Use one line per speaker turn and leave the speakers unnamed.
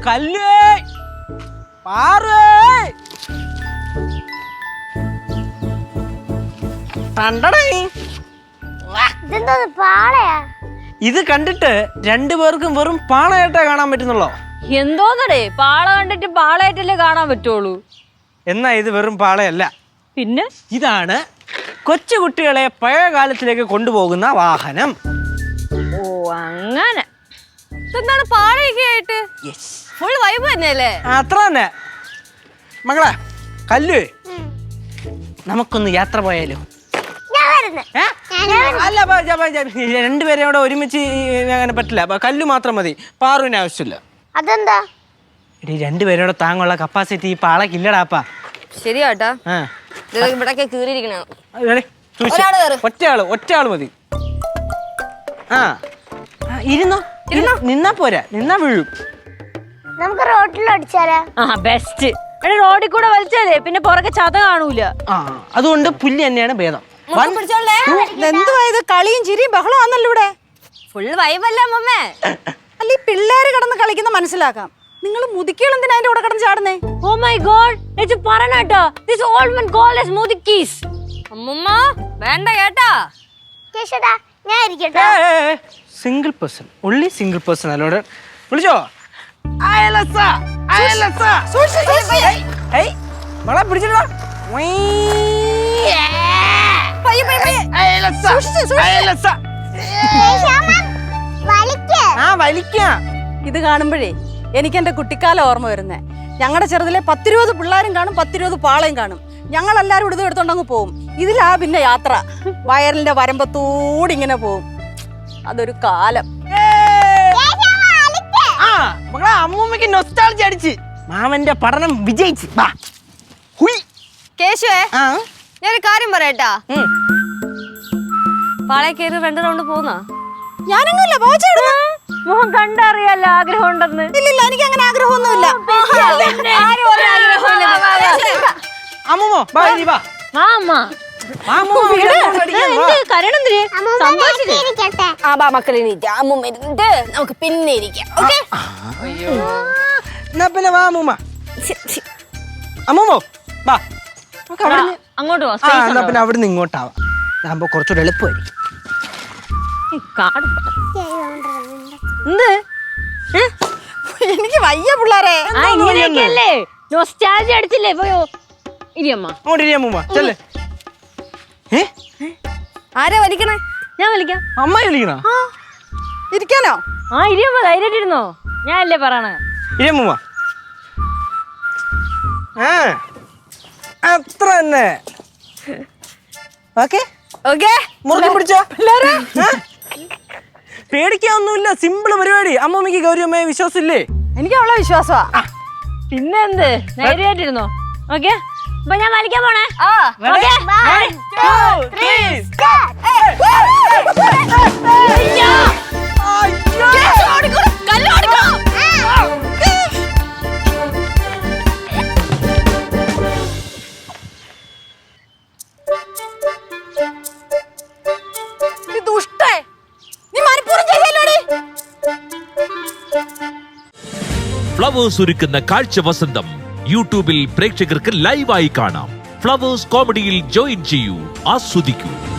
കല്ലേ പാറേ ഇത് കണ്ടിട്ട് രണ്ടുപേർക്കും വെറും പാളയായിട്ടേ കാണാൻ പറ്റുന്നുള്ളോ?
എന്തോന്നടേ, പാള കണ്ടിട്ട് പാളയായിട്ടല്ലേ കാണാൻ പറ്റുള്ളൂ.
എന്നാ ഇത് വെറും പാളയല്ല,
പിന്നെ
ഇതാണ് കൊച്ചുകുട്ടികളെ പഴയ കാലത്തിലേക്ക് കൊണ്ടുപോകുന്ന വാഹനം.
ഓ അങ്ങനെ.
എന്താണ് പാളയൊക്കെ ആയിട്ട്? ഫുൾ വൈബ് തന്നെയല്ലേ?
അത്ര തന്നെ. മകളെ കല്ലു, നമുക്കൊന്ന് യാത്ര പോയാലോ? അല്ല, രണ്ടുപേരെ അവിടെ ഒരുമിച്ച് അങ്ങനെ പറ്റില്ല. കല്ലു മാത്രം മതി, പാറുവിന് ആവശ്യമില്ല.
അതെന്താ?
രണ്ടുപേരോടെ താങ്ങുള്ള കപ്പാസിറ്റി ഈ പാളക്കില്ലടാപ്പാ.
ശരിയാട്ടാ, ഇവിടൊക്കെ കീറിയിരിക്കണ.
ഒറ്റയാള് മതി. ഇരുന്നോ, നിന്നാ പോരാ, നിന്നാ വീഴും.
നമുക്ക് റോഡിൽ അടിച്ചാലാ?
ബെസ്റ്റ്. റോഡിൽ കൂടെ വലിച്ചാലേ പിന്നെ പുറകെ ചത കാണൂല.
അതുകൊണ്ട് പുല്ല് തന്നെയാണ് ഭേദം.
എന്തുവാ ഇത്? കളിയും ചിരിയും ബഹളം ആണല്ലോ ഇവിടെ.
ഫുൾ വൈബല്ലേ അമ്മമ്മേ?
അല്ല, ഈ പിള്ളേര് കിടന്ന് കളിക്കുന്ന മനസ്സിലാക്കാം. നിങ്ങൾ മുതുക്കികൾ എന്തിനാ അതിന്റെ കൂടെ കിടന്ന് ചാടുന്നേ?
ഓ മൈ ഗോഡ്, ഇത് പറയണട്ടോ. This old man called us mudikis.
അമ്മമ്മ വേണ്ട കേട്ടാ. കേശടാ, ഞാൻ ഇരിക്കട്ടെ.
Single person, only single person. അല്ലോടെ വിളിച്ചോ? അയലസ അയലസ ഏയ് മകളെ പിടിച്ചിട്ടോ.
ഇത് കാണുമ്പോഴേ എനിക്ക് എന്റെ കുട്ടിക്കാലം ഓർമ്മ വരുന്നേ. ഞങ്ങളുടെ ചെറുതിലെ 10-20 പിള്ളേരും കാണും, 10-20 പാളയും കാണും. ഞങ്ങളെല്ലാരും ഇത് എടുത്തോണ്ടങ്ങ് പോവും. ഇതിലാ പിന്നെ യാത്ര. വയറിന്റെ വരമ്പത്തൂടെ ഇങ്ങനെ പോവും. അതൊരു കാലം.
മകളെ അമ്മൂമ്മക്ക് നൊസ്റ്റാൾജി അടിച്ച് മാമന്റെ പഠനം വിജയിച്ച്.
കേശുവേ, ഞാനൊരു കാര്യം പറയട്ടാ. പാളയെ കയറി 2 റൗണ്ട് പോന്നാ?
ഞാനൊന്നുമില്ല,
മോഹൻ കണ്ടറിയാലോ ആഗ്രഹം ഉണ്ടെന്ന്.
ഇല്ലില്ല, എനിക്ക് അങ്ങനെ ആഗ്രഹമൊന്നുമില്ല.
അമ്മൂമ്മോ വാ.
മക്കളെ നമുക്ക് പിന്നെ ഇരിക്കാം.
പിന്നെ വാ അമ്മൂമ്മ. അമ്മൂമ്മോ വാ.
അങ്ങോട്ട്
എന്നാ പിന്നെ അവിടുന്ന് ഇങ്ങോട്ടാവാം. അതാകുമ്പോ കുറച്ചുകൂടെ എളുപ്പമായിരിക്കും.
എനിക്ക് വയ്യ പിള്ളേരെ.
ഇങ്ങനെയൊക്കെയല്ലേ നൊസ്റ്റാൾജി അടിച്ചില്ലേ പോയോ? ഇരിയമ്മ
അങ്ങോട്ട് ഇരി അമ്മൂമ്മ, ചെല്ലേ.
ആരാ വലിക്കണേ?
ഞാൻ വലിക്കാം.
അമ്മ വിളിക്കണോ?
ഇരിക്കാനോ?
ഇരിയമ്മ ധൈര്യമായിട്ടിരുന്നോ, ഞാൻ അല്ലേ പറയണേ.
ഇരിയമ്മൂമ്മ. അത്ര തന്നെ. ഓക്കെ
ഓക്കെ,
മുറുകെ പിടിച്ചോ പിള്ളേരെ. പേടിക്കാനൊന്നുമില്ല, സിമ്പിൾ പരിപാടി. അമ്മൂമ്മക്ക് ഗൗരിയമ്മയെ വിശ്വാസമില്ലേ?
എനിക്ക് അവളെ വിശ്വാസമാ.
പിന്നെ എന്ത്, ധൈര്യമായിട്ടിരുന്നോ. ഓക്കെ, അപ്പൊ ഞാൻ വലിക്കാൻ പോണേ.
ഫ്ലവേഴ്സ് ഒരുക്കുന്ന കാഴ്ച വസന്തം യൂട്യൂബിൽ പ്രേക്ഷകർക്ക് ലൈവായി കാണാം. ഫ്ലവേഴ്സ് കോമഡിയിൽ ജോയിൻ ചെയ്യൂ, ആസ്വദിക്കൂ.